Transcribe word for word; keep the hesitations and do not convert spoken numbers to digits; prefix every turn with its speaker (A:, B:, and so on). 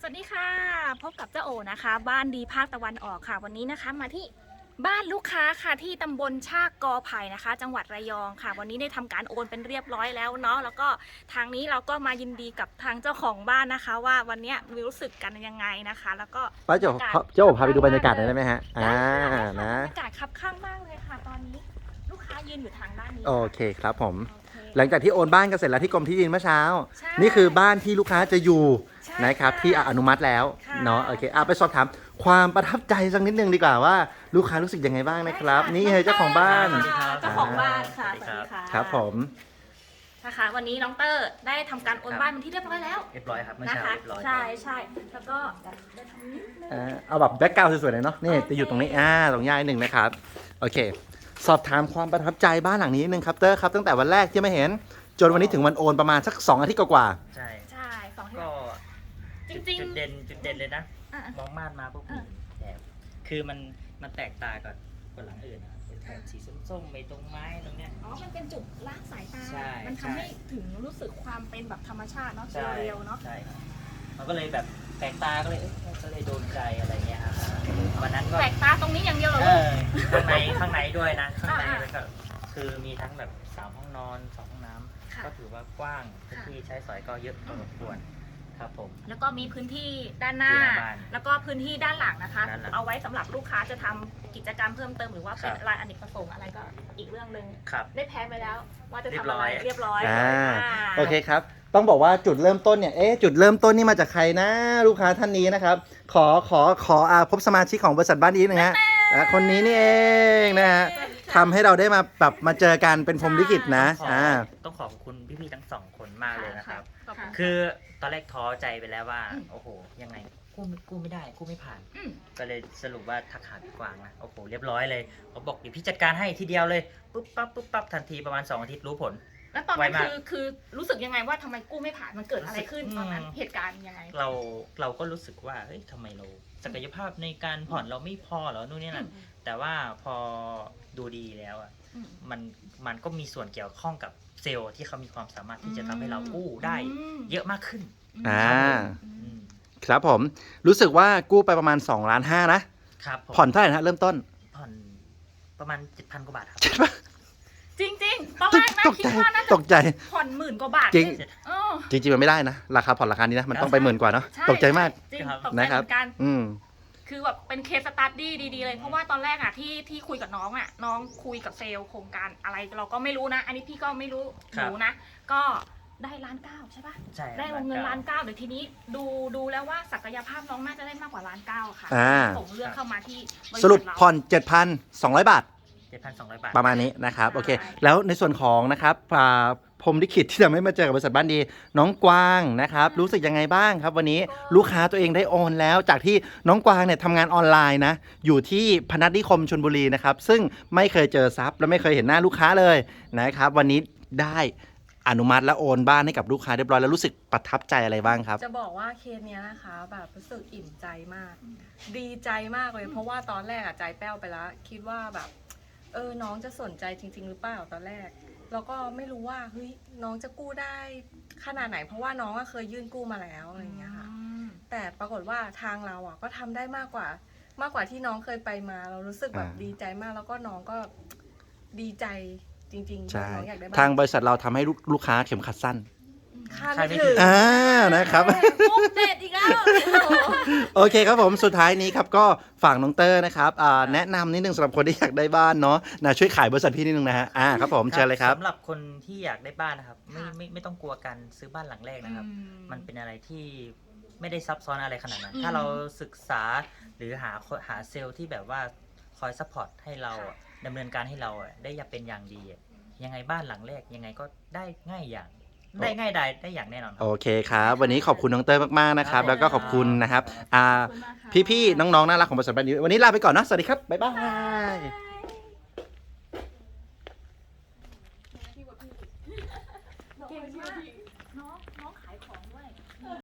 A: วัสดีค่ะพบกับเจ้าโอนะคะบ้านดีภาคตะวันออกค่ะวันนี้นะคะมาที่บ้านลูกค้าค่ะที่ตำบลชากกอไผ่นะคะ จังหวัดระยองค่ะ วันนี้ได้ทำการโอนเป็นเรียบร้อยแล้วเนาะแล้วก็ทางนี้เราก็มายินดีกับทางเจ้าของบ้านนะคะ ว่าวันนี้มีรู้สึกกันยังไงนะคะ แล้วก็
B: ป้าเจ้าเจ้าพาไปดูบรรยากาศหน่อยได้ไหมฮะอ่านะ
A: บรรยากาศคับข้างมากเลยค่ะ ตอนนี้ลูกค้ายืนอยู่ทางด้านนี้
B: โอเคครับผมหลังจากที่โอนบ้านกันเสร็จแล้วที่กรมที่ดินเมื่อเช้า
A: ใช่
B: นี่คือบ้านที่ลูกค้าจะอยู่
A: ใช่
B: นะครับที่อนุมัติแล้ว
A: ค่ะ
B: เนาะโอเคอ่ะไปสอบถามความประทับใจสักนิดนึงดีกว่าว่าลูกค้ารู้สึกยังไงบ้างนะครับนี่คือเจ้าของบ้าน
A: สวัสดีครับเจ้าของบ้านค่ะสวัสดีค่ะ
B: ครับผม
A: นะคะวันนี้น้องเตอร์ได้ทำการโอนบ้านเป็นที่เรียบร้อยแล้ว
C: เรียบร้อยครับเมื่อ
A: นะ
C: เช้า
A: คะ
C: เรียบร้อย
A: ใช่ใช่แล้วก็ได้ทำนิดนึง
B: อ่าเอาแบบแบ็กกราวด์สวยๆหน่อยเนาะนี่
A: โอเค
B: จะอยู่ตรงนี้อ่าตรงย่ายหนึ่งนะครับโอเค สอบถามความประทับใจบ้านหลังนี้นิดนึงครับเตอร์ครับตั้งแต่วันแรกที่ไม่เห็นจนวันนี้ถึงวันโอนประมาณสักสองอาทิตย์กว่า
C: ใช่
A: ใช่สองที่
C: ก็
A: จ
C: จุด
A: ริง
C: จุดเด่นจุดเด่นเลยนะ
A: ๆอ่ะ
C: มองม่านมาปุ๊บ
A: อ่ะ
C: แถบคือมันมันแตกต่างกับกับหลังอื่นนะครับเป็นแถบสีส้มๆไปตรงไม้ตรงเนี้ย
A: อ๋อมันเป็นจุดล้างสายตา
C: ใช่
A: มัน
C: ใช่
A: ทำให้ถึงรู้สึกความเป็นแบบธรรมชาติเนาะ
C: ใช่
A: เรียวๆเนาะ
C: ใช่ครับมันก็เลยแบบแปลกตาก็เลยเอ๊ะก็เลยโดนใจอะไรเงี้ยครับวันนั้นก็
A: แปลกตาตรงนี้อย่างเดียวเหรอ
C: เอ
A: ลูก
C: อข้างในข้างในด้วยนะข้างใน
A: อ่า
C: แล้วก็คือมีทั้งแบบสามห้องนอนสองห้องน้ำ
A: ค่ะ
C: ก็ถือว่ากว้างพื้นที่ใช้สอยก็เยอะพอสมควรครับผม
A: แล้วก็มีพื้นที่ด้านหน้า
C: ที่หน้าบ้าน
A: แล้วก็พื้นที่ด้านหลังนะคะ
C: ด้านหลัง
A: เอาไว้สำหรับลูกค้าจะทำกิจกรรมเพิ่มเติมหรือว่าเป็น
C: ครับ
A: รายอเนกประสงค์อะไรก็อีกเรื่องหนึ่ง
C: ครับ
A: ได้แพ้ไปแล้ว ว่าจะ
C: เรีย
A: ทำ
C: บร้
A: อะไร
C: อย
A: เรียบร้อย
B: ๆอ่า
A: อ่า
B: โอเคครับต้องบอกว่าจุดเริ่มต้นเนี่ยเอ๊ะจุดเริ่มต้นนี่มาจากใครนะลูกค้าท่านนี้นะครับขอขอขออาพบสมาชิกของบริษัทบ้านนี้หนะฮะอ่าคนนี้นี่เองนะฮะทำให้เราได้มาแบบมาเจอกันเป็นพรหมลิขิตนะ
C: ขอ
B: อ่า
C: ต้องขอบคุณพี่ๆทั้งสองคนมากเลยนะครับ
A: ขอบคุณ
C: คือตอนแรกท้อใจไปแล้วว่า
A: อืม
C: โอ้โห ยังไงกู้ไม่กู้ไม่ได้กู้ไม่ผ่าน
A: อืม
C: ก็เลยสรุปว่าทักหาพี่กวางนะโอ้โหเรียบร้อยเลยเขาบอกเดี๋ยวพี่จัดการให้ทีเดียวเลยปุ๊บปั๊บปุ๊บปั๊บทันทีประมาณสองอาทิตย์รู้ผล
A: แล้วตอนนั้น
C: ไวมาก
A: คือคือรู้สึกยังไงว่าทำไมกู้ไม่ผ่านมันเกิดอะไรขึ้น
C: อืม
A: ตอนนั้นเหตุการณ์ยังไง
C: เราเราก็รู้สึกว่าเฮ้ยทำไมเราศักยภาพในการผ่อนเราไม่พอเหรอนู่นนี่นั่นแต่ว่าพอดูดีแล้วอ่ะ
A: อืม
C: มันมันก็มีส่วนเกี่ยวข้องกับเซลล์ที่เขามีความสามารถที่จะทำให้เรากู้ได้
A: ม
C: เยอะมากขึ้น
B: อ่า
A: อื
C: อื
A: ม
C: ม
B: ครับผมรู้สึกว่ากู้ไปประมาณสองล้านห้านะครับ
C: ผม
B: ผ่อนเท่าไหร่นะฮะเริ่มต้น
C: ผ่อนประมาณเจ็ดพันกว่าบาทครับ
B: ใช่ปะ
A: จริงจริงๆตอนแรกนะ
B: ตก
A: คิด
B: ใจ
A: ว่าน่า
B: ต
A: จะ
B: กใจ
A: ผ่อนหมื่นกว่าบาท
B: จริง
A: เออ
B: จริงๆมันไม่ได้นะราคาผ่อนราคานี้นะมันต้องไปหมื่นกว่าเนาะ
A: ช่
B: ตกใจมาก
A: จริง
C: ครับ
A: ตกใจ
B: นะ
A: เห
B: ครับ
A: มือนกัน
B: อืม
A: คือแบบเป็นเคสสตัดดี้ดีๆเลยเพราะว่าตอนแรกอะที่ที่คุยกับน้องอะน้องคุยกับเซลล์โครงการอะไรเราก็ไม่รู้นะ อันนี้พี่ก็ไม่รู้
C: ครับ
A: รู้นะ ก็ได้ล้านเก้าใช่ปะ
C: ใช่
A: ได้วงเงินล้านเก้าเดี๋ยวทีนี้ดูดูแล้วว่าศักยภาพน้องน่าจะได้มากกว่าล้านเก้าค่ะ
B: อ่า
A: ส่งเรื่องเข้ามาที่บษัท
B: สรุป
A: เา
B: ผ่อน เจ็ดพันสองร้อย บาท
C: เจ็ดพันสองร้อยบาท
B: ประมาณนี้นะครับโอเค
A: ใช่
B: แล้วในส่วนของนะครับอ่าพรหมลิขิตที่ทำให้มาเจอกับบริษัทบ้านดีน้องกวางนะครับรู้สึกยังไงบ้างครับ วันนี้ลูกค้าตัวเองได้โอนแล้วจากที่น้องกวางเนี่ยทำงานออนไลน์นะอยู่ที่พนัสนิคมชลบุรีนะครับซึ่งไม่เคยเจอซับและไม่เคยเห็นหน้าลูกค้าเลยนะครับวันนี้ได้อนุมัติและโอนบ้านให้กับลูกค้าเรียบร้อยแล้วรู้สึกประทับใจอะไรบ้างครับ
D: จะบอกว่าเคสเนี้ยนะคะแบบรู้สึกอิ่มใจมาก ดีใจมากเลย เพราะว่าตอนแรกอะใจแป้วไปแล้ว คิดว่าแบบ เออน้องจะสนใจจริง ๆ หรือเปล่าตอนแรก แล้วก็ไม่รู้ว่าเฮ้ยน้องจะกู้ได้ขนาดไหน เพราะว่าน้องอะเคยยื่นกู้มาแล้วอะไรอย่างเงี้ยค่ะ
A: อืม
D: แต่ปรากฏว่าทางเราอะก็ทำได้มากกว่า มากกว่าที่น้องเคยไปมา เรารู้สึกแบบ
B: อ่า
D: ดีใจมาก แล้วก็น้องก็ดีใจจริงๆ
B: ใช่
D: น้องอยากได้บ้
B: ทางบริษัทเราทำให้ลูกลูกค้าเข็มขัดสั้น
D: ค่า
C: ใคร
D: ไม่
C: ไม่
D: ถึง
B: อ่านะครับ
A: มุกเด็ดอีกแล้ว
B: โอเคครับผมสุดท้ายนี้ครับก็ฝากน้องเตอร์นะครับอ่าแนะนำนิดนึงสำหรับคนที่อยากได้บ้านเนาะนะช่วยขายบริษัทพี่นิดนึงนะฮะอ่าครับผมเชิญเลยครับ
C: สำหรับคนที่อยากได้บ้านนะครับไม่
A: ค่ะ
C: ไม่ไม่ต้องกลัวการซื้อบ้านหลังแรกนะครับ
A: อื
C: มันเป็นอะไรที่ไม่ได้ซับซ้อนอะไรขนาดนั้น
A: อืม
C: ถ้าเราศึกษาหรือหาหาเซลล์ที่แบบว่าคอยซัพพอร์ตให้เรา
A: ค่ะ
C: ดำเนินการให้เราอะได้อย่างเป็นอย่างดีอะยังไงบ้านหลังแรกยังไงก็ได้ง่ายอย่างได้ง่ายได้ได้อย่างแน่นอนค
B: โอ
C: รับ
B: เคครับวันนี้ขอบคุณน้องเตอร์มากๆนะครับ
C: ครับ
B: แล้วก็ขอบคุณนะครับอ่า
A: ขอบคุณมากค่ะ
B: พี่ๆน้องๆน่ารักของบริษัทบ้านนี้วันนี้ลาไปก่อนเนาะสวัสดีครับบ๊ายบาย